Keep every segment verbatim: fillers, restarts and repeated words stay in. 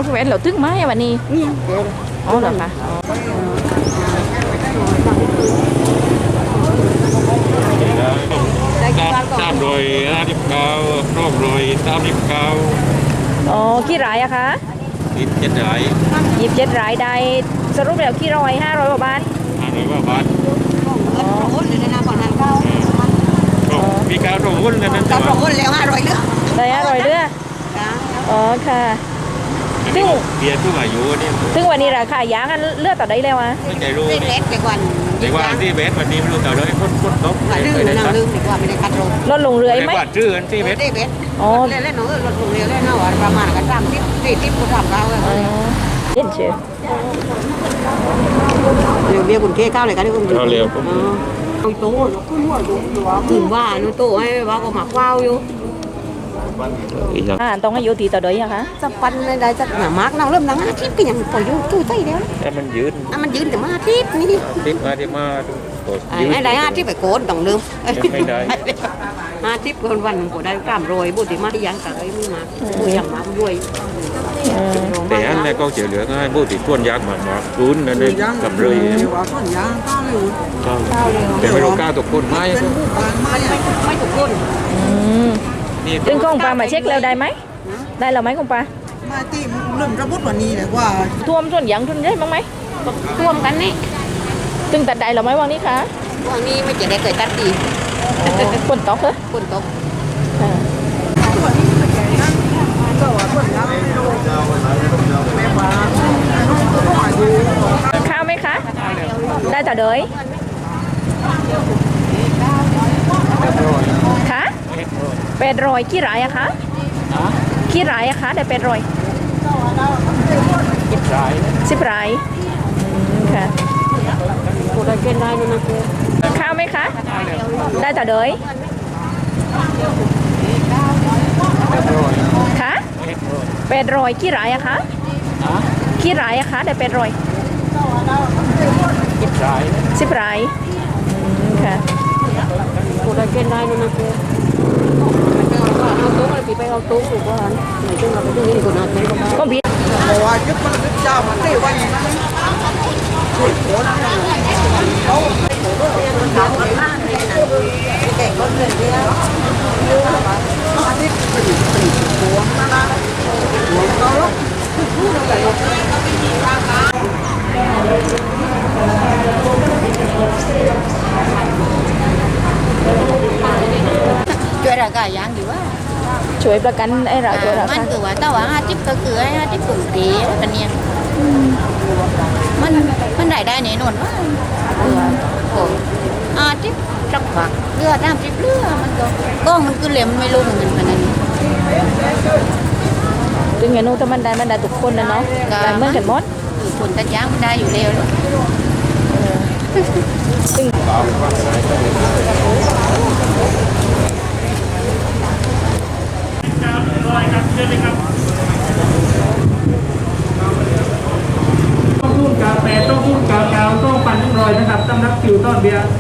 แหวนเราตึ้งไหมวันนี้นี่อ๋อเหรอคะสามร้อยห้าสิบเก้าสองร้อยสามสิบเก้าอ๋อกี่รายอะคะยี่สิบเจ็ดรายยี่สิบเจ็ดรายได้สรุปแล้วกี่ร้อยห้าร้อยกว่าบาทห้าร้อยกว่าบาทอ๋อหุ้นเลยนะก่อนนั้นเก้ามีการส่งหุ้นแล้วนั้นการส่งหุ้นแล้วห้าร้อยเลือดได้ห้าร้อยเลือดอ๋อค่ะซึ่งเบียร์ทุกอายุนี่ซึ่งวันนี้ราคายางกันเลือดต่อได้แล้วอ่ะไม่ใจรู้เล็กเด็กวันเด็กวันที่เบสวันนี้ไม่รู้ต่อเลยพ้นพ้นตกลืมนะลืมเด็กว่าไม่ได้คัดลงลดลงเรื่อยไหมชื่อกันที่เบสเบสอ๋อเล่นเล่นหนูลดลงเรื่อยเล่นหนูประมาณกันสามสิบสี่สิบกูทำเราเลยเล่นเชียวเดี๋ยวเบี้ยคุณเค้ข้าวเลยกันที่คุณข้าวเร็วเอาโต้ถึงว่าหนูโต้ให้ว่าก็หมักว้าวอยู่อ่าต้องอายุตีต่อเดือนอะคะจะปันได้จะหนามากน้องเริ่มนังอาทิตย์ก็ยังปล่อยอยู่ตู้ใต้แล้วแต่มันยืนอ่ะมันยืนแต่มาอาทิตย์นี่ทิตมาที่มาไอ้ได้อาทิตย์ไปโกนต้องลืมไม่ได้อาทิตย์คนวันก็ได้กล้ามรวยบุตรมาที่ยังแต่ไม่มีมาบุยังมารวยแต่อันนี้ก็เสียเหลือก็ให้บุตรส่วนยากมามาลุ้นนั่นเองกับเลยแต่ไม่รู้ก้าวตกคนไหมไม่ถูกคนซึ่งกองปลามาเช็คแล้วได้ไหมได้แล้วไหมกองปลามาตีเริ่มระบุวันนี้เลยว่าท่วมส่วนยังทุนได้บ้างไหมท่วมกันนี่ซึ่งตัดได้แล้วไหมวันนี้คะวันนี้ไม่จะได้เกิดตัดดีฝนตกเหรอฝนตกข้าวไหมคะได้แต่เดยคะเป็ดรอยกี่รายอะคะกี่รายอะคะได้เป็ดรอยสิบรายสิบรายค่ะข้าวไหมคะได้แต่เดยคะเป็ดรอยกี่รายอะคะกี่รายอะคะได้เป็ดรอยสิบรายสิบรายค่ะกูได้เกณฑ์ได้นะกูเอาตู้มาปีไปเอาตู้กูก่อนไหนจึงเราไปตรงนี้กูนัดไหนก็มาก็บิดบอกว่ายึดมันยึดเจ้ามันได้วันนี้ช่วยคนเขาทำกันมากเลยนะแก่คนเลยเนี่ยอาทิตย์สี่สี่ตัวนะนะหัวเขาช่วยราคายางดีว่าช่วยประกันไอ้เราตัวเรามันคือว่าแต่ว่าห้าจิ๊บก็คือไอ้ห้าจิ๊บปุ๋ยเก๋กันเนี่ยมันมันได้ได้แน่นอนว่าเออโอ้ห้าจิ๊บจักผักเลือดน้ำจิ๊บเลือดมันก็ก้องมันคือเหลี่ยมไม่รู้เหมือนกันขนาดนี้ถึงอย่างนู้นถ้ามันได้มันได้ทุกคนนะเนาะได้เหมือนกันหมดคนตะจ้างมันได้อยู่เร็วซึ่งต้องทุ่นกาแฟต้องทุ่นกาแฟต้องปั่นรอยนะครับตำนักคิวต้นเบียร์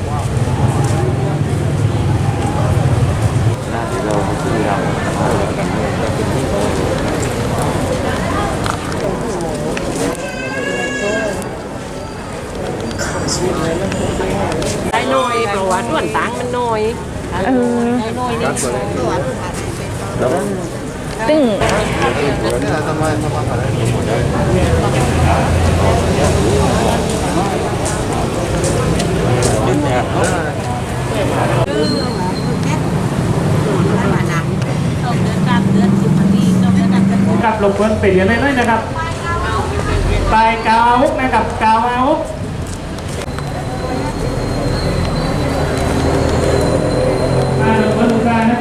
ได้น้อยเพราะว่าส่วนต่างมันน้อยเออน้อยนี่ซึ่งกับลงเพิ่นไปเรียนน้อยๆนะครับปลายกาวฮุกนะครับกาวฮุก